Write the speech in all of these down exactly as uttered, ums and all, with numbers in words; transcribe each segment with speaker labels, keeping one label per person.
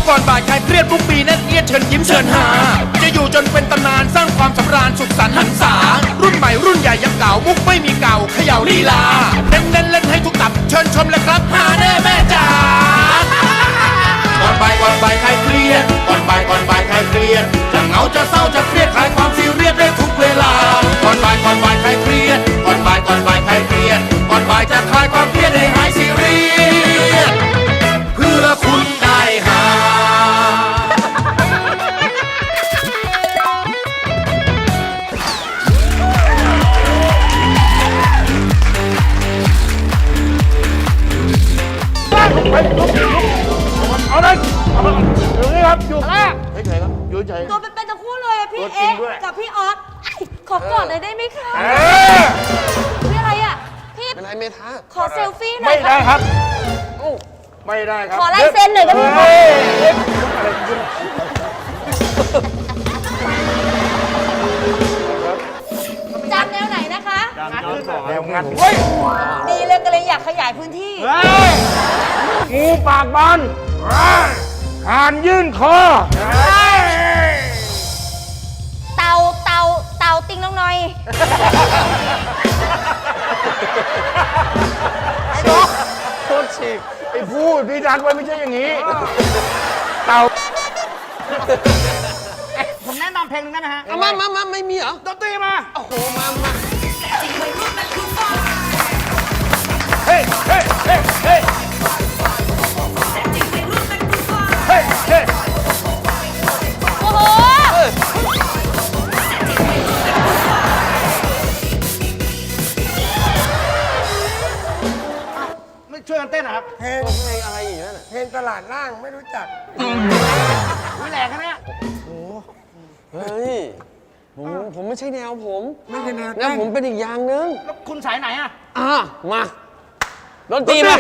Speaker 1: ก่อนบ่ายคลายเครียดทุกปีแน่นเอียดเชิญยิ้มเชิญหาจะอยู่จนเป็นตำนานสร้างความสำราญสุขสันต์หันษารุ่นใหม่รุ่นใหญ่ยังเก่ามุกไม่มีเก่าเขย่าลีลาเน้นเน้นเล่นให้ทุกตับเชิญชมเลยครับหาแน่แม่จ๋าก่อนบ่ายก่อนบ่ายคลายเครียดก่อนบ่ายก่อนบ่ายคลายเครียดจะเหงาจะเศร้าจะเครียดคลายความซีเรียสได้ทุกเวลาก่อนบ่ายก่อนบ่ายคลายเครียดก่อนบ่ายก่อนบ่ายคลายเครียดก่อนบ่ายจะคลายความเครียดให้หายซีเรียสเพื่อคุณได้หา
Speaker 2: เอาเลยเอาเลยอยู่นี่ครับอยู่อะไรเฉยๆครับอยู่เฉย
Speaker 3: ตัวเป็นๆทั้งคู่เลยอะพี่เอ๊ะกับพี่ออสขอกอดเลยได้ไหมคะ
Speaker 2: เออ
Speaker 3: พี่อะไรอ่ะพี่
Speaker 4: เป็นไรเมทา
Speaker 3: ขอเซลฟี่หน่
Speaker 2: ไม่
Speaker 3: อย
Speaker 2: ได้ครับ ไม่ได้ครับ
Speaker 3: ขอลายเซ็นหน่อยได้ไหมคะ
Speaker 2: เฮ้ยเฮ้ยอะไรขึ้น
Speaker 3: จำแนวไหนนะคะ
Speaker 2: แนวงัดเฮ้ย
Speaker 3: ดีเลยก็เลยอยากขยายพื้นที่
Speaker 2: เฮ้ยงูปากบานหานยื่นคอ
Speaker 3: เตาเตาเตาติงน้องหน่อย
Speaker 2: โทษฉีกไอ้พูดพี่ดันไว้ไม่ใช่อย่างนี้ เต่า
Speaker 5: ผมแนะนำเพลงหนึงได้ไหมฮะ
Speaker 4: เอามามามาไม่มีเหรอ
Speaker 5: ดนตรีมา
Speaker 4: โอ้โห มามา
Speaker 2: เฮ้ยเฮ้ยเฮ้ยเฮ้ยเฮ้ยเฮ้ย
Speaker 3: โอ้โห
Speaker 5: ไม่ช่วยกันเต้นนะครับ
Speaker 4: เพลงเพลงอะไรอีกนั่นน่ะ
Speaker 2: เพลงตลาดล่างไม่รู้จัก
Speaker 5: วิแหลกนะเนี่ย
Speaker 4: เฮ้ย ผมผมไม่ใช่แนวผม
Speaker 2: ไม่ใช่แนว
Speaker 4: แนวผมเป็นอีกอย่างหนึง
Speaker 5: แล้วคุณสายไหนอ่ะ
Speaker 4: อ่ะ มาดนตรีมา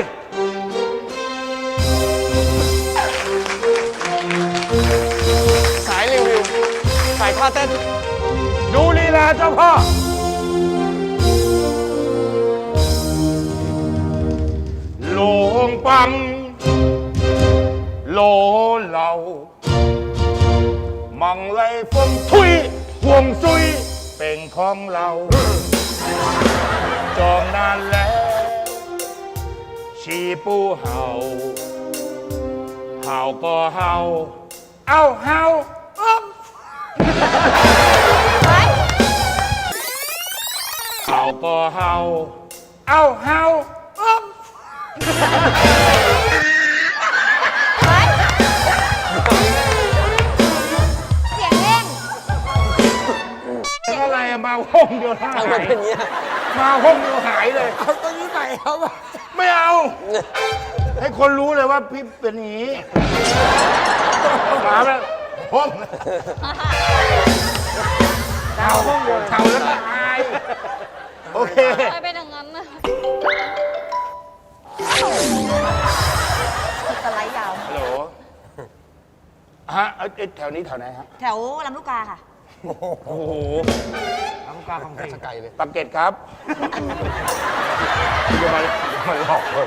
Speaker 4: สายรีวิว สายท่าเต้น
Speaker 2: ดูลีลาเจ้าพ่อโลงปังโลเหล่ามังไลฟงทุยห่วงซุยเป็นของเรา จองนานแล้วชีปูเห่าเห่าก็เห่าเอ้าเห่าอ๊อบ
Speaker 3: ไป
Speaker 2: เห่าก็เห่าเอ้าเห่าอ๊อบ
Speaker 3: ไปเสียงเล่น
Speaker 2: เป็นอะไรอะมาห้องเดียวหา
Speaker 4: ทำไม
Speaker 2: ย
Speaker 4: เป็นอย่างเงี้ย
Speaker 2: มาห้องเดียวหายเลย
Speaker 4: เอาตัวนี้ไปเอาไป
Speaker 2: ไม่เอา ให้คนรู้เลยว่าพี่เป็นอย่างนี้มาแบบห้องเข่าห้องเดียวเข่าแล้วก็หายโอเค
Speaker 3: ไปเป็นอย่างนั้นนะสไลด์ยาว
Speaker 2: ฮัลโหลฮะเอ้ยเอ้ยแถวนี้แถวไหนฮะ
Speaker 3: แถวลำลูกกาค่ะ
Speaker 2: โอ้โห
Speaker 5: ทำการของเพลง
Speaker 4: ไกลเลย
Speaker 2: ปากเกร็ดครับอย่ามาอย่ามาหลอกผม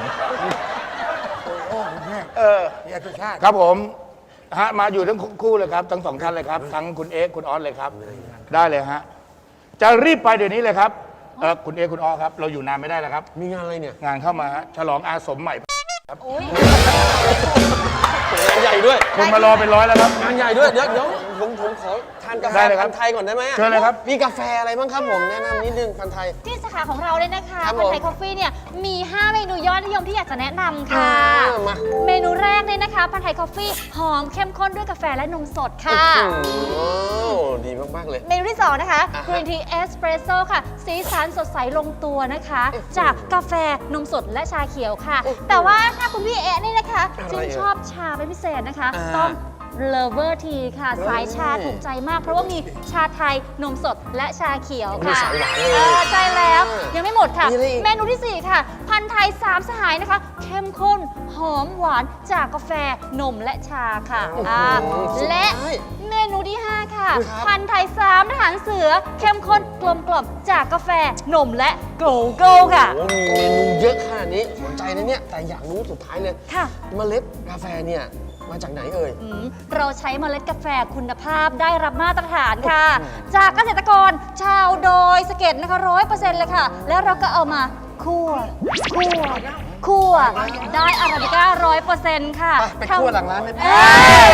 Speaker 2: เออ
Speaker 5: อยากจะชาติ
Speaker 2: ครับผมฮะมาอยู่ทั้งคู่เลยครับทั้งสองท่านเลยครับ ทั้งคุณเอ๊กคุณออสเลยครับ ได้เลยฮะจะรีบไปเดี๋ยวนี้เลยครับเออคุณเอ๊กคุณออสครับ เราอยู่นานไม่ได้แล้วครับ
Speaker 4: มีงานอะไรเนี่ย
Speaker 2: งานเข้ามาฮะฉลองอาสมใหม่
Speaker 3: โอ้ย
Speaker 4: งานใหญ่ด้วย
Speaker 2: คนมารอเป็นร้อยแล้วครับ
Speaker 4: งานใหญ่ด้วย เดี๋ยวเดี๋ยวผมผมขอทานกาแฟ
Speaker 2: ได้เลยครับ
Speaker 4: พันธุ์ไทยก่อนได้ไหมอะ
Speaker 2: เชิญเลยครับ
Speaker 4: มีกาแฟอะไรบ้างครับผมแนะนำนิดนึงพันธุ์ไทย
Speaker 3: ที่สาขาของเราเลยนะคะ
Speaker 4: ครับ
Speaker 3: พัน
Speaker 4: ผม
Speaker 3: ไทยคอฟฟี่เนี่ยมี ห้า เมนูยอดนิยมที่อยากจะแนะนำค่ะ
Speaker 4: อ่ามา
Speaker 3: เมนูแรกเลยนะคะพันไทยคอฟฟี่หอมเข้มข้นด้วยกาแฟและนมสดค่ะ
Speaker 4: โอ้ดีมากๆเลย
Speaker 3: เมนูที่สองนะคะ
Speaker 4: อ่าฮะ
Speaker 3: กรีนทีเอสเปรสโซ่ค่ะ สีสันสดใสลงตัวนะคะ จากกาแฟนมสดและชาเขียวค่ะ แต่ว่าถ้าคุณพี่เอ๊ะนี่นะคะ
Speaker 4: อะไร
Speaker 3: ชื่น
Speaker 4: เอ่ย
Speaker 3: ชอบชาเป็นพิเศษนะคะ
Speaker 4: อ่า
Speaker 3: ต้อง Lover Tea ค่ะ สายชา
Speaker 4: เฮ้ย
Speaker 3: ถูกใจมาก เพราะว่ามีชาไทยนมสดและชาเขียวค่ะ
Speaker 4: มีสายหวานเลย
Speaker 3: เออใช่แล้ว
Speaker 4: เออ
Speaker 3: ยังไม่หมดค่ะ
Speaker 4: มีอะไรอีก
Speaker 3: เมนูที่สี่ค่ะ ผัพันธุ์ไทยสามสหายนะคะ เข้มข้นหอมหวานจากกาแฟนมและชาค่ะอ่าและเมนูที่ ห้า ค่ะ พันธุ์ไทยสามทหารเสือ เข้มข้นกลมกล่อมจากกาแฟนมและโกโก้ค่ะ
Speaker 4: โอ้มีเมนูเยอะขนาดนี้สนใจนะเนี่ย แต่อยากรู้สุดท้ายเลย
Speaker 3: ค่ะ
Speaker 4: เมล็ดกาแฟเนี่ยมาจากไหนเอ่ย
Speaker 3: อืมเราใช้เมล็ดกาแฟคุณภาพได้รับมาตรฐานค่ะ จากเกษตรกรชาวดอยสะเก็ดนะคะร้อยเปอร์เซ็นต์เลยค่ะ แล้วเราก็เอามาคั่วคั่วคั่วได้อาราบิก้าร้อยเปอร์เซ็นต์ค่ะ
Speaker 4: ไปคั่วหลังร้านไหม
Speaker 3: เอ้ย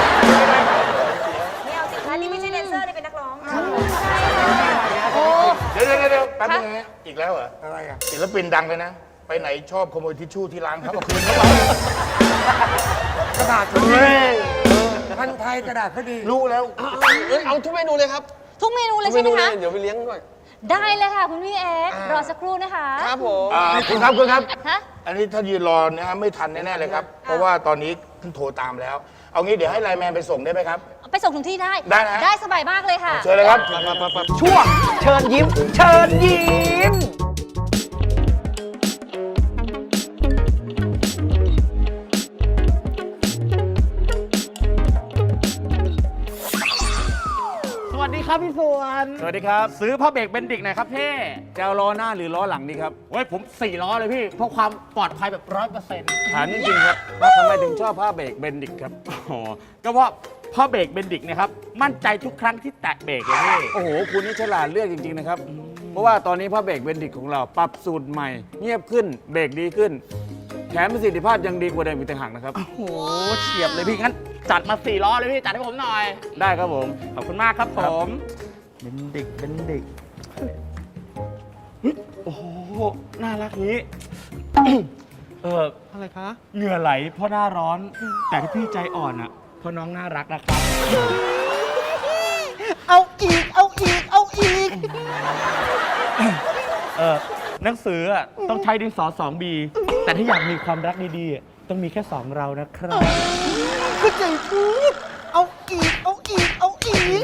Speaker 6: ไม่เอาสิคะนี่ไม่ใช่แดนเซอร์นี่เป็นนักร้อง
Speaker 3: โอ้
Speaker 2: เดี๋ยวเดี๋ยวเดี๋ยวแป๊บนึง
Speaker 3: คะ
Speaker 2: นะอีกแล้วเหรอ
Speaker 5: อะไรอ่ะ
Speaker 2: ศิลปินดังเลยนะ ไปไหนชอบขโมยทิชชู่ที่ร้านเขาเอาคืนเขาไป
Speaker 5: กระดาษเขาดีพันธุ์ไทยกระดาษเขาดี
Speaker 2: รู้แล้ว
Speaker 4: เอ้ยเอาทุกเมนูเลยครับ
Speaker 3: ทุกเมนูเลย
Speaker 4: ทุก
Speaker 3: ใช่ไหม
Speaker 4: นูเล
Speaker 3: คะ
Speaker 4: ยเดี๋ยวไปเลี้ยงด้วย
Speaker 3: ได้เลยค่ะคุณพี่เอ็กซ์
Speaker 4: อ่าร ร
Speaker 3: อสักครู่นะคะ
Speaker 4: ครับผม
Speaker 2: อ่าคุณครับคุณครับ
Speaker 3: ฮะ
Speaker 2: อันนี้ถ้ายืนรอเนี่ยฮะไม่ทันแน่ๆเลยครับ เพราะว่าตอนนี้เพิ่งโทรตามแล้ว เอางี้เดี๋ยวให้ไลน์แมนไปส่งได้ไหมครับ
Speaker 3: ไปส่งถึงที่ได้
Speaker 2: ได้นะ
Speaker 3: ได้สบายมากเลยค่ะ
Speaker 2: เชิญเลยครับ
Speaker 5: ช่วงเชิญยิ้ม เชิญยิ้ม สวัสดีครับพี่สวน
Speaker 7: สวัสดีครับ
Speaker 5: ซื้อผ้าเบรกเบนดิกหน่อยครับพี่
Speaker 7: จะเอาล้อหน้าหรือล้อหลังดีครับ
Speaker 5: เว้ยผมสี่ล้อเลยพี่ เพราะความปลอดภัยแบบร้อยเปอร์เซ็นต์
Speaker 7: ถามจริงๆครับว่าทำไมถึงชอบผ้าเบรกเบนดิกครับ
Speaker 5: อ๋อก็ว่าผ้าเบรกเบนดิกเนะครับ มั่นใจทุกครั้งที่แตะเบรกเลยพี่
Speaker 7: โอ้โห คุณนี่ฉลาดเลือกจริง ๆ นะครับ เพราะว่าตอนนี้ผ้าเบรกเบนดิกของเราปรับสูตรใหม่ เงียบขึ้น เบรกดีขึ้น แถมประสิทธิภาพยังดีกว่าเดิมอีกต่างหากนะครับ
Speaker 5: โอ้โหเฉียบเลยพี่งั้นจัดมาสี่ล้อเลยพี่จัดให้ผมหน่อย
Speaker 7: ได้ครับผม
Speaker 5: ขอบคุณมากครับผมเบนดิกเบนดิกเฮ้ยโอ้โหน่ารักนี้ เอออะไรคะเหงื่อไหลเพราะหน้าร้อน แต่ที่พี่ใจอ่อนอ่ะเพราะน้องน่ารักนะครับ เอาอีก เอาอีก เอาอีก เออหนังสืออ่ะต้องใช้ดินสอสองบีแต่ถ้าอยากมีความรักดีๆอ่ะต้องมีแค่สองเรานะครับ
Speaker 8: ก็ใจพูด เอาอีก เอาอีก เอาอีก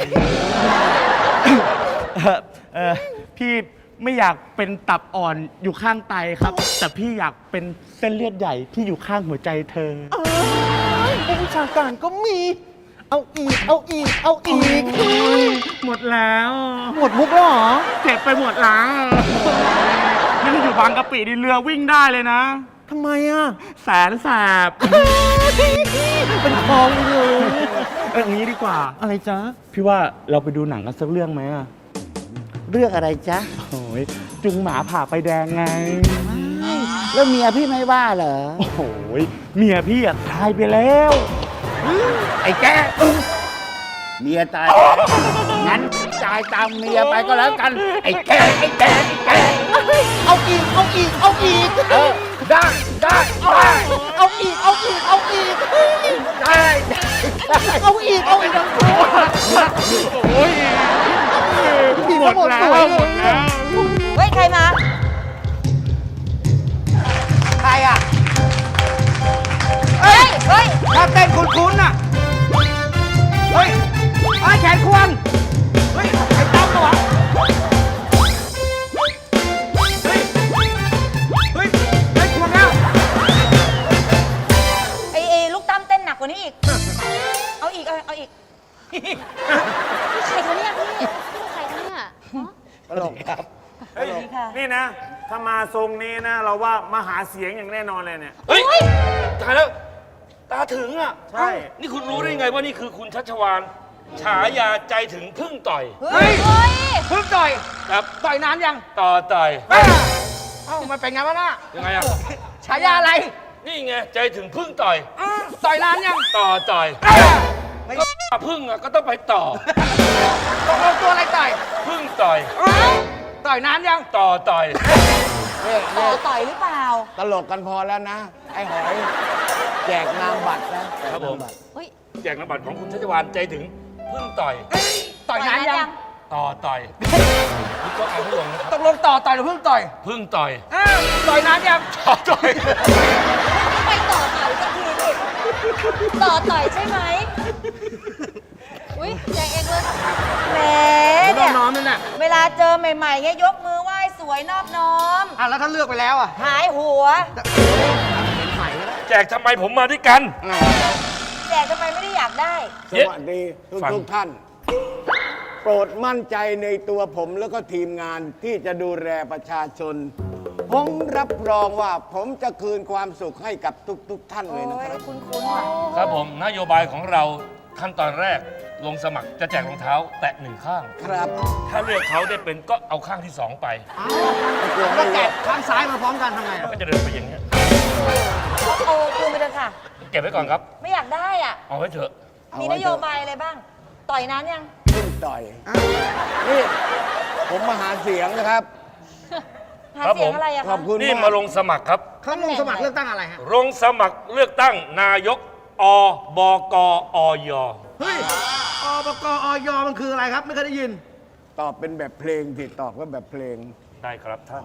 Speaker 5: เออเออพี่ไม่อยากเป็นตับอ่อนอยู่ข้างไตครับ แต่พี่อยากเป็นเส้นเลือดใหญ่ที่อยู่ข้างหัวใจเธอ
Speaker 8: ผู้วิชาการก็มี เอาอีก เอาอีก เอาอีก
Speaker 5: หมดแล้ว
Speaker 8: หมดมุกแล้วเหรอ
Speaker 5: เจ็บไปหมดแล้วนี่ถ้าอยู่บางกะปินี่เรือวิ่งได้เลยนะ
Speaker 8: ทำไมอ่ะ
Speaker 5: แสนแสบ
Speaker 8: เป็นคลองเลย
Speaker 5: เอออย่างนี้ดีกว่า
Speaker 8: อะไรจ๊ะ
Speaker 5: พี่ว่าเราไปดูหนังกันสักเรื่องไหมอะ
Speaker 8: เรื่องอะไรจ๊ะ
Speaker 5: โอ้ยจุงหมาผ่าไปแดงไง
Speaker 8: แล้วเมียพี่ไม่ว่าเหรอ
Speaker 5: โอ้โหเมียพี่อะตายไปแล้ว
Speaker 8: ไอ้แกเมียตายงั้นจ่ายตามเมียไปก็แล้วกัน ไอ้แกไอ้แกไอ้แกเอาอีก เอาอีก เอาอีก เออ ได้ ได้ ได้ เอาอีก เอาอีก เอาอีก ได้ เอาอีก เอาอีกทั้งคู่
Speaker 5: โอ้ยหมดแล้วหมดแล้ว
Speaker 6: เฮ้ย ใครมา
Speaker 5: ใครอ่ะ
Speaker 6: เฮ้ย เฮ้ย
Speaker 5: ถ้าเต้นคุ้นๆน่ะ เฮ้ยไอ้แขนควง เฮ้ย ไอ้ตั้มปะวะ เฮ้ย เฮ้ย ไอ้ควงแล้ว
Speaker 6: ไอ้ไอ้ลูกตั้มเต้นหนักกว่านี้อีก เอาอีก เอาเอาอีก
Speaker 3: ใครคะเนี่ยพี่พี่เป็นใครคะเนี่ยฮะ
Speaker 7: เฮ้ย นี่นะ ถ้ามาทรงนี้นะ เราว่ามาหาเสียงอย่างแน่นอนเลยเนี่ย
Speaker 9: เฮ้ยตายแล้ว ตาถึงอ่ะ
Speaker 7: ใช่
Speaker 9: นี่คุณรู้ได้ไงว่านี่คือคุณชัชวานฉายาใจถึงพึ่งต่อย
Speaker 5: เฮ้ย
Speaker 3: เฮ้ย
Speaker 5: เพิ่งต่อย
Speaker 9: ครับ
Speaker 5: ต่อยนานยัง
Speaker 9: ต่อต่อย
Speaker 5: เอ้าเอ้ามันเป็นไงวะน่ะ
Speaker 9: ยังไงอ่ะ
Speaker 5: ฉายาอะไร
Speaker 9: นี่ไงใจถึงพึ่งต่อย
Speaker 5: อ้าวต่อยนานยัง
Speaker 9: ต่อต่อย
Speaker 5: เอ้าไม่
Speaker 9: ก็พึ่งอ่ะก็ต้องไปต่อ
Speaker 5: ตกลงตัวอะไรต่อย
Speaker 9: พึ่งต่อย
Speaker 5: อ้าวต่อยนานยัง
Speaker 9: ต่อต่อย
Speaker 6: ต่อต่อยหรือเปล่า
Speaker 8: ตลกกันพอแล้วนะ ไอ้หอย แจกนามบัตรนะครับ
Speaker 9: ผม
Speaker 3: เฮ้ย
Speaker 9: แจกนามบัตรของคุณชัชวานใจถึงพึ่งต่อย
Speaker 5: ต่อยนานยัง
Speaker 9: ต่อต่อยคุณก็เอาไม่ลงนะครับ
Speaker 5: ตกลงต่อต่อยหรือเพิ่งต่อย
Speaker 9: พึ่งต่อย
Speaker 5: อ้าวต่อยนานยัง
Speaker 9: ต่อต่อย
Speaker 6: ไปต่อต่อยสักทีสิต่อต่อยใช่ไหม
Speaker 3: อุ้ยแจกเองเลย
Speaker 6: แหม
Speaker 5: น้
Speaker 6: เนี่
Speaker 5: อย งน้องนั่นน่ะ
Speaker 6: เวลาเจอใหม่ๆเงี้ยยกมือไหว้สวยนอบน้อม
Speaker 8: อ่ะแล้วถ้าเลือกไปแล้วอ่ะ
Speaker 6: หายหัว
Speaker 9: แจกทำไมผมมาด้วยกัน
Speaker 6: แจกทำไมไม่ได้อยากได้
Speaker 7: สวัสดีทุก
Speaker 9: ฟัง
Speaker 7: ทุกท่าน โปรดมั่นใจในตัวผมแล้วก็ทีมงานที่จะดูแลประชาชน ผมรับรองว่าผมจะคืนความสุขให้กับทุกๆท่านเลยนะ
Speaker 6: โอ้
Speaker 7: ค
Speaker 6: ย
Speaker 7: รับ
Speaker 6: คุ้นๆว่ะ
Speaker 9: ครับผมนโยบายของเราขั้นตอนแรกลงสมัครจะแจกรองเท้าแตะหนึ่งข้าง
Speaker 7: ครับ
Speaker 9: ถ้าเลือกเขาได้เป็นก็เอาข้างที่สองไป
Speaker 8: แล้วแกะข้างซ้ายมาพร้อมกันทำไง
Speaker 9: แล้ว
Speaker 8: อ่ะ
Speaker 9: ก็จะเดินไปอย่างเงี้ย
Speaker 6: โอ้คืนไปเถอะค่ะ
Speaker 9: เก็บไว้ก่อนครับ
Speaker 6: ไม่อยากได้อ่ะ
Speaker 9: เอาไว้เถอะ
Speaker 6: มีนโยบายอะไรบ้าง ต่อยนั้นยัง
Speaker 7: ขึ้นต่อย นี่ ผมมาหาเสียงนะครับ
Speaker 6: หา
Speaker 9: ครับ
Speaker 6: เสียง
Speaker 9: ผม
Speaker 6: อะไรอะ
Speaker 7: ขอ
Speaker 6: คะ
Speaker 7: บคุณ
Speaker 9: นี่
Speaker 7: มาก
Speaker 9: มาลงสมัครครับ
Speaker 8: เขาลงสมัครเลือกตั้งอะไรฮะ
Speaker 9: ลงสมัครเลือกตั้งนายกอบกอย
Speaker 8: เฮ้ยอบกอยมันคืออะไรครับ ไม่เคยได้ยิน
Speaker 7: ตอบเป็นแบบเพลงสิตอบก็แบบเพลง
Speaker 9: ได้ครับท่าน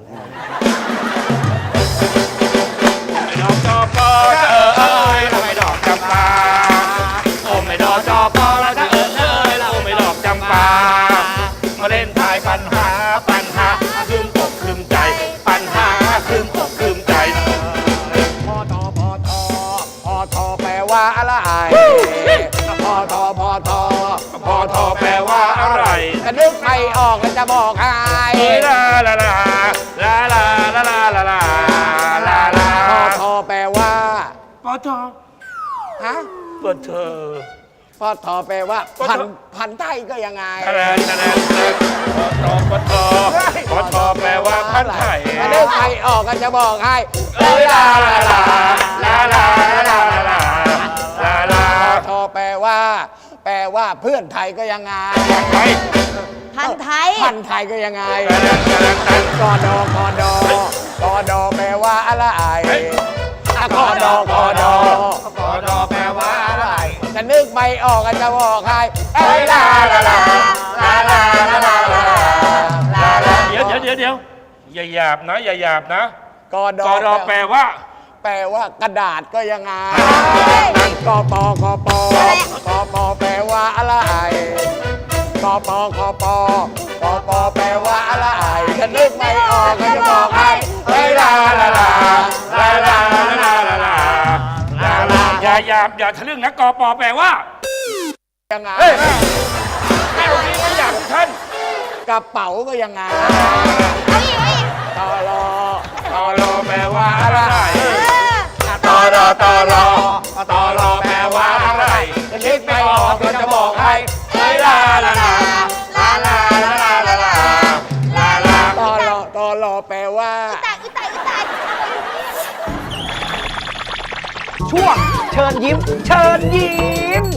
Speaker 9: ดอกจอปอจะเออเอ้ยเราไม่ดอกจำปาโอ้ไม่ดอกจอปอเราจะเออเอ้ยเราไม่ดอกจำปามาเล่นทายปัญหาปัญหาคืมอกคืมใจ ปัญหาคืมอกคืมใจ
Speaker 7: พอทอพอทอพอทอแปลว่าอะไรพอทอพอทอ
Speaker 9: พอทอแปลว่าอะไร
Speaker 7: จะนึกไม่ออกแล้วจะบอกให้
Speaker 9: เอ้ยลาลาลาลาลาลาลาลาลาลาลา
Speaker 7: พอทอแปลว่า
Speaker 9: พอทอ
Speaker 7: ฮะ
Speaker 9: เปิดเธอ
Speaker 7: พอทอแปลว่า
Speaker 9: พอทอ
Speaker 7: พันพันไทยก็ยังไง
Speaker 9: คะแนนคะแนนคะแนนพอทอพอทอพอทอแปลว่าพันไทย
Speaker 7: จะนึกไม่ออกก็จะบอกให้
Speaker 9: เอ้ยลาลาลาลาลาลาลาลาลา
Speaker 7: พอทอแปลว่า แปลว่าเพื่อนไทยก็ยังไง
Speaker 9: ไทย
Speaker 6: พันไทย
Speaker 7: พันไทยก็ยังไง
Speaker 9: คะแนนคะแนนคะแนน
Speaker 7: กอดอกอดอกอดอแปลว่าอะไร
Speaker 9: เฮ้ย
Speaker 7: อะกอดอกอดอก
Speaker 9: อดอแปลว่าอะไร
Speaker 7: จะนึกไม่ออกก็จะบอกให้เอ้ยลาลาลาลาลาลาลาลาลาลา
Speaker 9: เดี๋ยวเดี๋ยวเดี๋ยวเดี๋ยวอย่าหยาบนะ อย่าหยาบนะ
Speaker 7: กอก
Speaker 9: อดอแปลว่า
Speaker 7: แปลว่ากระดาษก็ยังไงกอปอกอปอกอปอแปลว่าอะไรกอปอกอปอกอปอแปลว่าอะไรจะนึกไม่ออกก็จะบอกให้เอ้ยลาลาลาลาลาลาลาลาลาลา
Speaker 9: อย่าหยาบอย่าทะลึ่งนะกอปอแปลว่า
Speaker 7: ยังไง
Speaker 9: เฮ้ยไม่เอาดีไม่หยาบท่าน
Speaker 7: กระเป๋าก็ยังไงตอรอ
Speaker 9: ตอรอแปลว่าอะไร
Speaker 7: ตอรอตอรอ
Speaker 9: ตอรอแปลว่าอะไร
Speaker 7: จะนึกไม่ออกก็จะบอกให้
Speaker 9: เฮ้ยลาลาลาลาลาลาลาลาลาลาลา
Speaker 7: ตอรอตอรอแปลว่า
Speaker 6: ตายอุ๊ยตายอุ๊ยตายอะไรอยู่เนี่ย
Speaker 8: ช่วงเชิญยิ้ม เชิญยิ้ม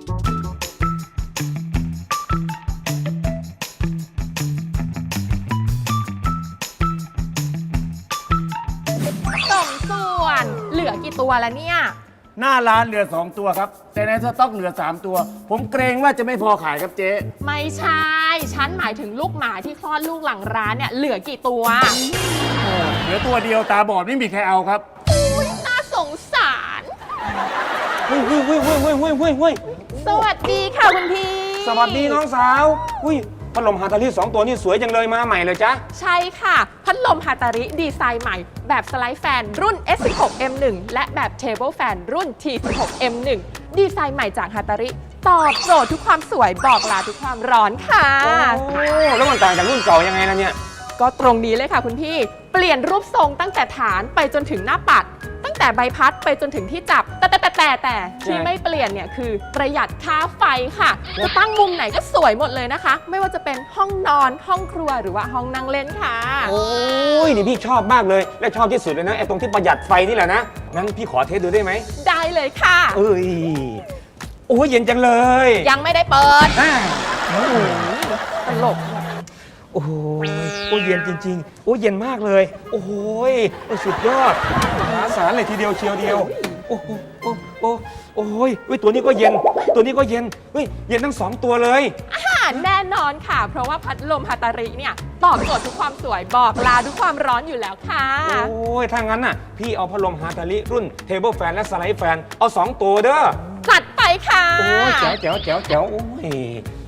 Speaker 3: สมส่วน เหลือกี่ตัวแล้วเนี่ย
Speaker 7: หน้าร้านเหลือสองตัวครับ แต่ในสต็อกเหลือสามตัว ผมเกรงว่าจะไม่พอขายครับเจ๊
Speaker 3: ไม่ใช่ ฉันหมายถึงลูกหมาที่คลอดลูกหลังร้านเนี่ย เหลือกี่ตัว
Speaker 7: เหลือตัวเดียวตาบอดไม่มีใครเอาครับ
Speaker 3: อุ๊ยน่าสงสาร
Speaker 4: เฮ้ยเฮ้ยเฮ้ยเฮ้ยเฮ้ยเฮ้ยเฮ้ยเฮ้ย
Speaker 3: สวัสดีค่ะคุณพี่
Speaker 4: สวัสดีน้องสาว อุ้ยพัดลมฮาตาลีสองตัวนี่สวยจังเลยมาใหม่เลยจ๊ะ
Speaker 3: ใช่ค่ะ พัดลมฮาตาริดีไซน์ใหม่ แบบสไลด์แฟนรุ่น เอส สิบหก เอ็ม หนึ่ง และแบบเทเบิลแฟนรุ่น ที สิบหก เอ็ม หนึ่ง ดีไซน์ใหม่จากฮาตาริ ตอบโจทย์ทุกความสวยบอกลาทุกความร้อนค่ะ
Speaker 4: โอ้แล้วมันต่างจากรุ่นเก่ายังไงล่ะเนี่ย
Speaker 3: ก็ตรงนี้เลยค่ะคุณพี่ เปลี่ยนรูปทรงตั้งแต่ฐานไปจนถึงหน้าปัด ตั้งแต่ใบพัดไปจนถึงที่จับ แต่แต่แต่แต่แต่ที่ไม่เปลี่ยนเนี่ยคือประหยัดค่าไฟค่ะ จะตั้งมุมไหนก็สวยหมดเลยนะคะ ไม่ว่าจะเป็นห้องนอนห้องครัวหรือว่าห้องนั่งเล่นค่ะ
Speaker 4: โอ้ยนี่พี่ชอบมากเลย และชอบที่สุดเลยนะไอ้ตรงที่ประหยัดไฟนี่แหละนะ งั้นพี่ขอเทสดูได้ไหม
Speaker 3: ได้เลยค่ะ
Speaker 4: เอ้ย โอ้ยเย็นจังเลย
Speaker 3: ยังไม่ได้เปิด
Speaker 4: อ่า
Speaker 3: ตลก
Speaker 4: โอ้ยโอ้ยเย็นจริงๆ โอ้ยเย็นมากเลย โอ้โหยโอ้ยสุดยอดมหาศาลเลยทีเดียวเชียวเดียว โอ้โหโอ้โอ้โอ้ยเฮ้ยตัวนี้ก็เย็น ตัวนี้ก็เย็น เฮ้ย เย็นทั้งสองตัวเลย
Speaker 3: ค่ะแน่นอนค่ะ เพราะว่าพัดลมฮาตาริเนี่ยตอบโจทย์ทุกความสวยบอกลาทุกความร้อนอยู่แล้วค่ะ
Speaker 4: โอ้ย ถ้างั้นน่ะ พี่เอาพัดลมฮาตาลิรุ่นเทเบิลแฟนและสไลด์แฟน เอาสองตัวเด้อ
Speaker 3: จัดไปค่ะ
Speaker 4: โอ้ยแจ๋วแจ๋วแจ๋วแจ๋วโอ้ย โ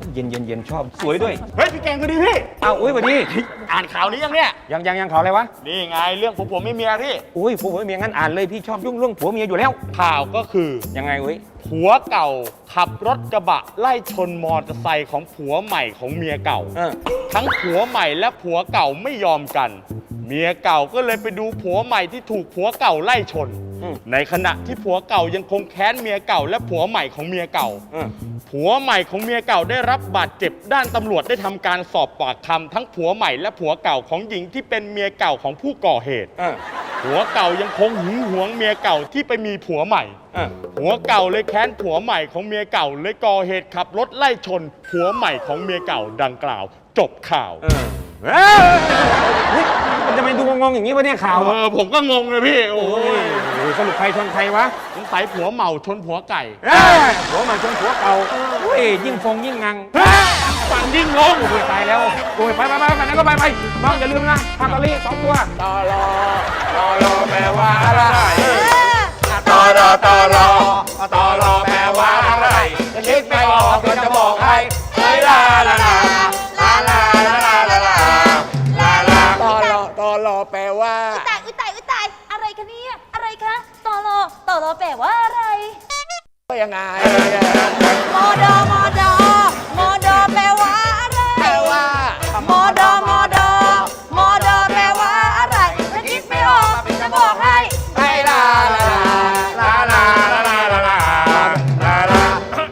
Speaker 4: เย็นเย็นเย็นชอบสวยด้วย
Speaker 5: เฮ้ยพี่แกงก็ดีพี่
Speaker 4: อ้าวอุ้ยสวัสดี
Speaker 5: อ่านข่าวนี้ยังเนี่ย
Speaker 4: ยังยังยังข่าวอะไรวะ
Speaker 5: นี่ไงเรื่องผัวผัวไม่เมียพี่
Speaker 4: อุ้ยผัวผัวเมียงั้นอ่านเลยพี่ชอบยุ่งเรื่องผัวเมียอยู่แล้ว
Speaker 5: ข่าวก็คือ
Speaker 4: ยังไงอุ้ย
Speaker 5: ผัวเก่าขับรถกระบะไล่ชนมอเตอร์ไซค์ของผัวใหม่ของเมียเก่า
Speaker 4: เออ
Speaker 5: ทั้งผัวใหม่และผัวเก่าไม่ยอมกัน เมียเก่าก็เลยไปดูผัวใหม่ที่ถูกผัวเก่าไล่ชน
Speaker 4: อืม
Speaker 5: ในขณะที่ผัวเก่ายังคงแค้นเมียเก่าและผัวใหม่ของเมียเก่า
Speaker 4: เออ
Speaker 5: ผัวใหม่ของเมียเก่าได้รับบาดเจ็บด้านตำรวจได้ทำการสอบปากคำทั้งผัวใหม่และผัวเก่าของหญิงที่เป็นเมียเก่าของผู้ก่อเหตุ
Speaker 4: เออ
Speaker 5: ผัวเก่ายังคงหึงหวงเมียเก่าที่ไปมีผัวใหม่
Speaker 4: เออ
Speaker 5: ผัวเก่าเลยแค้นผัวใหม่ของเมียเก่าเลยก่อเหตุขับรถไล่ชน ผัวใหม่ของเมียเก่าดังกล่าว จบข่าว
Speaker 4: เออเอ้ยเฮ้ยมันจะไปดูงงๆอย่างนี้วะเนี่ยข่าว
Speaker 5: เอ
Speaker 4: อะ
Speaker 5: อผมก็งงเลยพี่ โอ้
Speaker 4: โอ้
Speaker 5: ย
Speaker 4: ยโอ้ยสรุปใครชนใครวะ
Speaker 5: สงสัยผัวเมาชนผัวไก่
Speaker 4: เอ้ยผัวใหม่ชนผัวเก่าโอ้ยยิ่งฟงยิ่งงัง
Speaker 5: ฟังยิ่งงง
Speaker 4: โอ้ยตายแล้วโอ้ยไปไปไปไปไหนก็ไปไปน้องอย่าลืมนะพาตอรี่สองตัว
Speaker 7: ตอรอตอรอแปลว่าอะไร
Speaker 9: ตอรอตอรอตอรอแปลว่าอะไร
Speaker 7: จะคิดไม่ออกก็จะบอกให้
Speaker 9: เฮ้ยลาลาลาลาลาลาลาลาลาลาลา
Speaker 7: ตอรอตอรอแปลว่า
Speaker 6: ตายอุ้ยตายอุ้ยตายอะไรคะเนี่ยอะไรคะตอรอตอรอแปลว่าอะไร
Speaker 7: ก็ยังไง
Speaker 6: มอดอมอดอมอดอแปลว่าอะไร
Speaker 7: แปลว่า
Speaker 6: มอดอมอดอมอดอแปลว่าอะไรถ้าคิดไม่ออกจะบอกให้
Speaker 7: ให้ลาลาลา
Speaker 9: ลาลาลาลาลาลาลาม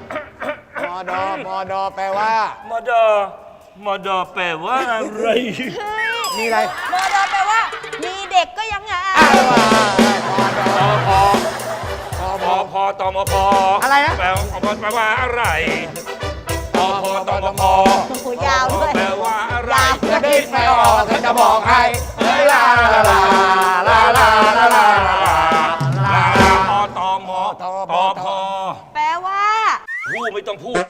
Speaker 7: อดอมอดอแปลว่า
Speaker 9: มดอมดอแปลว่าอะไร
Speaker 7: มีอะไร
Speaker 6: มอดอแปลว่า มีเด็กก็ยังไง
Speaker 9: ตอพอพอพอตอมพออะไรนะแปลว่าแปลว่าอะไรตอพอตอมพอ
Speaker 6: โอ้โหยาวด้วย
Speaker 9: แปลว่าอะไร
Speaker 7: จะคิดไม่ออกก็จะบอกให้
Speaker 9: เฮ้ยลาลาลาลาลาลาลาลาลาลาพอตอมอตอพอ
Speaker 6: แปลว่า
Speaker 9: พูดไม่ต้องพูด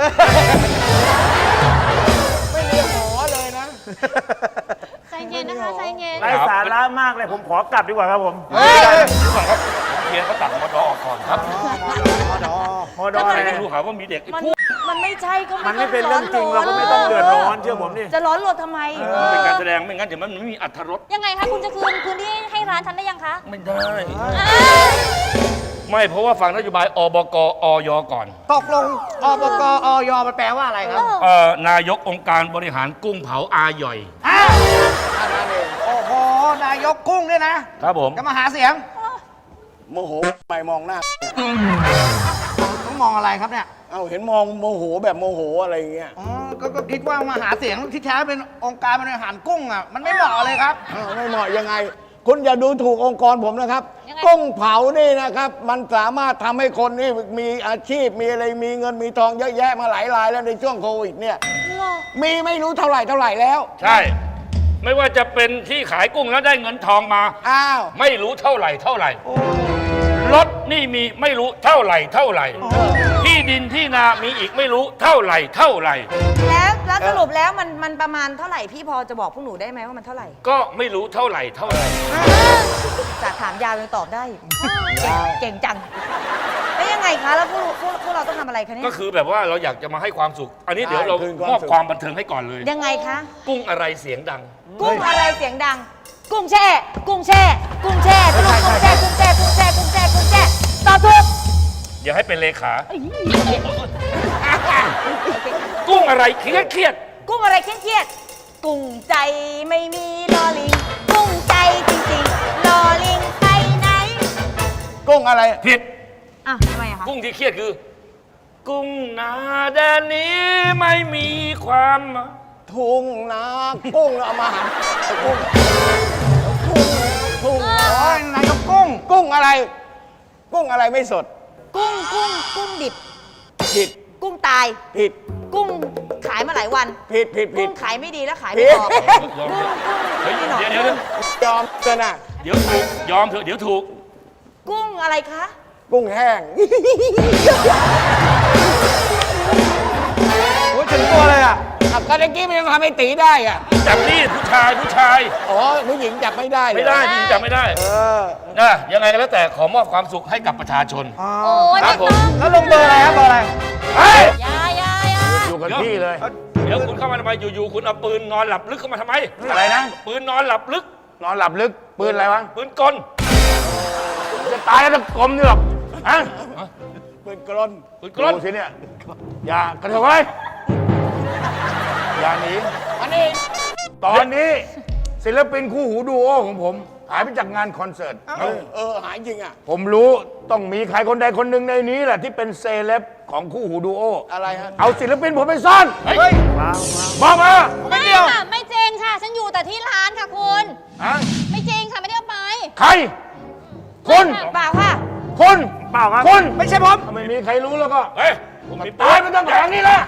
Speaker 7: ไม่มีหอเลยนะ
Speaker 3: ใจเย็นนะคะใจเย็น
Speaker 5: ไร้สาระมากเลย ผมขอกลับดีกว่าครับผม
Speaker 9: เฮ้ยก่อนครับเพียนเขาตัดมดอออกก่อนครับ
Speaker 5: มอดออะไร
Speaker 9: ไม่รู้หาว่ามีเด็ก
Speaker 6: มันมันไม่ใช่ก็
Speaker 5: มันไม่เป็นเรื่องจริงเราก็ไม่ต้องเดือดร้อนเชื่อผมนี่
Speaker 6: จะร้อนรนทำไม
Speaker 9: มันเป็นการแสดงไม่งั้นเดี๋ยวมันไม่มีอรรถรส
Speaker 3: ยังไงคะคุณจะคืนพื้นที่ให้ร้านฉันได้ยังคะ
Speaker 9: ไม่ได้ ไม่เพราะว่าฟังนโยบายอบกอยก่อน
Speaker 8: ตกลงอบกอยมันแปลว่าอะไรครับ
Speaker 9: เอ่อนายกองค์การบริหารกุ้งเผาอาหย่อย
Speaker 8: โอ้โห นายกกุ้งเนี่ยนะครับ
Speaker 9: ผม
Speaker 8: จะมาหาเสียง
Speaker 7: โมโหไม่มองหน้า
Speaker 8: ต้องมองอะไรครับเนี่ย
Speaker 7: เอ้าเห็นมองโมโหแบบโมโหอะไรอย่างเงี้ย
Speaker 8: อ๋อก็ก็คิดว่ามาหาเสียงที่แท้เป็นองค์การบริหารกุ้งอ่ะ มันไม่เหมาะเลยครับ
Speaker 7: อ้าวไม่เหมาะยังไง คุณอย่าดูถูกองค์กรผมนะครับ
Speaker 3: ยังไง
Speaker 7: กุ้งเผานี่นะครับ มันสามารถทำให้คนนี่มีอาชีพมีอะไรมีเงินมีทองเยอะแยะมาหลายรายแล้วในช่วงโควิดเนี่ย มีไม่รู้เท่าไหร่เท่าไหร่แล้ว
Speaker 9: ใช่ ไม่ว่าจะเป็นที่ขายกุ้งแล้วได้เงินทองมา
Speaker 7: อ้าว
Speaker 9: ไม่รู้เท่าไหร่เท่าไหร่รถนี่มีไม่รู้เท่าไหร่เท่าไหร่ ที่ดินที่นามีอีกไม่รู้เท่าไหร่เท่าไหร่
Speaker 6: แล้วแล้วสรุปแล้วมันมันประมาณเท่าไหร่พี่พอจะบอกพวกหนูได้ไหมว่ามันเท่าไหร่
Speaker 9: ก็ไม่รู้เท่าไหร่เท่าไหร่
Speaker 6: จากถามยาวยังตอบได้อีกเก่งเก่งจังแล้วยังไงคะแล้วพวกพวกพวกเราต้องทำอะไรคะเนี่ย
Speaker 9: ก็คือแบบว่าเราอยากจะมาให้ความสุข อันนี้เดี๋ยวเรา
Speaker 7: ใช่คืนความ
Speaker 9: มอบ
Speaker 7: สุข
Speaker 9: ความบันเทิงให้ก่อนเลย
Speaker 6: ยังไงคะ
Speaker 9: กุ้งอะไรเสียงดัง
Speaker 6: กุ้งอะไรเสียงดัง กุ้งแช่ กุ้งแช่ กุ้งแช่สรุปกุ้งแช่ กุ้งแช่ กุ้งแช่ กุ้งแช่ กุ้งแช่ตอบถูก
Speaker 9: อย่าให้เป็นเลขา กุ้งอะไรเครียดเครียด
Speaker 6: กุ้งอะไรเครียดๆกุ้งใจไม่มีลอลิง กุ้งใจจริงๆลอลิงไปไหน
Speaker 7: กุ้งอะไร
Speaker 9: ผิด
Speaker 6: อ่ะทำไมอะคะ
Speaker 9: กุ้งที่เครียดคือ กุ้งนาแดนนี้ไม่มีความหมาย
Speaker 7: ทุ่งนากุ้งเอามาหันกุ้งกุ้งทุ่ง
Speaker 8: โอ้ยนายกกุ้ง
Speaker 7: กุ้งอะไร กุ้งอะไรไม่สด
Speaker 6: กุ้งกุ้งกุ้งดิบ
Speaker 7: ผิด
Speaker 6: กุ้งตาย
Speaker 7: ผิด
Speaker 6: กุ้งขายมาหลายวัน
Speaker 7: ผิดผิดผิ
Speaker 6: กุ้
Speaker 7: ด
Speaker 6: งขายไม่ดีแล้วขาย
Speaker 7: ผิ
Speaker 6: ไม่
Speaker 7: ด
Speaker 6: ออก
Speaker 9: ยอม
Speaker 6: กุ้ง
Speaker 9: เฮ้ย
Speaker 6: กุ้งไม่หนอก
Speaker 9: เดี๋ยวเดี๋ยวเดี๋ยวย
Speaker 7: อมเกินอ่ะ
Speaker 9: เดี๋ยวถูก ยอมเถอะเดี๋ยวถูก
Speaker 6: กุ้งอะไรคะ
Speaker 7: กุ้งแห้ง
Speaker 8: โอ้ยถึงตัวเลยอ่ะ
Speaker 7: อ่ะก็เมื่อกี้มันยังทำให้ตีได้อ่ะ
Speaker 9: จับนี่ผู้ชายผู้ชาย
Speaker 7: อ๋อผู้หญิงจับไม่ได้เลย
Speaker 9: ไม่ได้พี่จับไม่ได้
Speaker 7: เออ
Speaker 9: นะยังไงก็แล้วแต่ขอมอบความสุขให้กับประชาชน
Speaker 3: โอ้ย
Speaker 9: ครั
Speaker 3: ไม่
Speaker 9: บผ
Speaker 3: ต้
Speaker 9: ม
Speaker 3: อง
Speaker 8: แล้วลงเบอร์อะไรครับเบอร์อะไร
Speaker 9: เฮ้ย
Speaker 3: อยาอยาอยา
Speaker 9: อยู่
Speaker 2: อยู่กับที่เลย
Speaker 4: เดี๋ยวคุณเข้ามาทำไมอยู่ๆคุณเอาปืนนอนหลับลึกเข้ามาทำไม
Speaker 2: อะไรนะ
Speaker 4: ปืนนอนหลับลึก
Speaker 2: นอนหลับลึก ปืนอะไรวะ
Speaker 4: ปืนกล
Speaker 2: จะตายแล้วกลมนี่หรอกฮะ
Speaker 7: ปืนกลน
Speaker 4: ปืนกล
Speaker 2: ดูสิเนี่ย อย่ากระเถิบไว้อย่าหนี
Speaker 7: อันนี้
Speaker 2: ตอนนี้ศิลปินคู่หูดูโอของผม หายไปจากงานคอนเสิร์ต
Speaker 7: เออเออหายจริงอ่ะ
Speaker 2: ผมรู้ต้องมีใครคนใดคนหนึ่งในนี้แหละที่เป็นเซเลบของคู่หูดูโอ
Speaker 7: อะไรฮะ
Speaker 2: เอาศิลปินผมไปซ่อน
Speaker 4: เฮ้ย
Speaker 2: บอกมา
Speaker 3: ไม่ค่ะ ไม่จริงค่ะ ฉันอยู่แต่ที่ร้านค่ะคุณ
Speaker 2: ฮะ
Speaker 3: ไม่จริงค่ะ ไม่ได้เอาไป
Speaker 2: ใครคุณ
Speaker 6: เปล่าค่ะ
Speaker 2: คุณ
Speaker 5: เปล่าครับ
Speaker 2: คุณ
Speaker 5: ไม่ใช่ผม
Speaker 2: ถ้าไม่มีใครรู้แล้วก็
Speaker 4: เฮ้ยผมมีปื
Speaker 2: ตาย
Speaker 4: น
Speaker 2: มันต้องแผงนี้ละ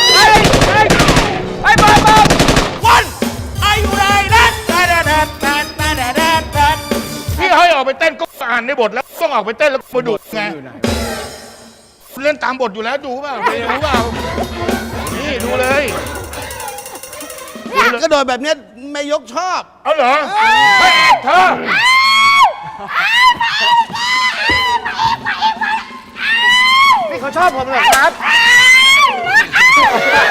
Speaker 5: ไอ้บอลบอล
Speaker 9: วันอายุไรนัดแดดแดดแดดแดดแดดแดดแดด
Speaker 2: พี่ให้ออกไปเต้นก็อ่านในบทแล้วต้องออกไปเต้นแล้วมาดูไงเล่นตามบทอยู่แล้วดูเปล่าไม่รู้เปล่านี่ดูเลยดูเลย
Speaker 8: ก็โดยแบบเนี้ยแม่ยกชอบ
Speaker 2: เอาเหรอเฮ้ยเธอ
Speaker 8: นี่เขาชอบผมเหรอครับ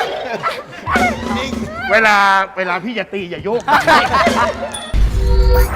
Speaker 2: เวลาเวลาพี่จะตีอย่าโยก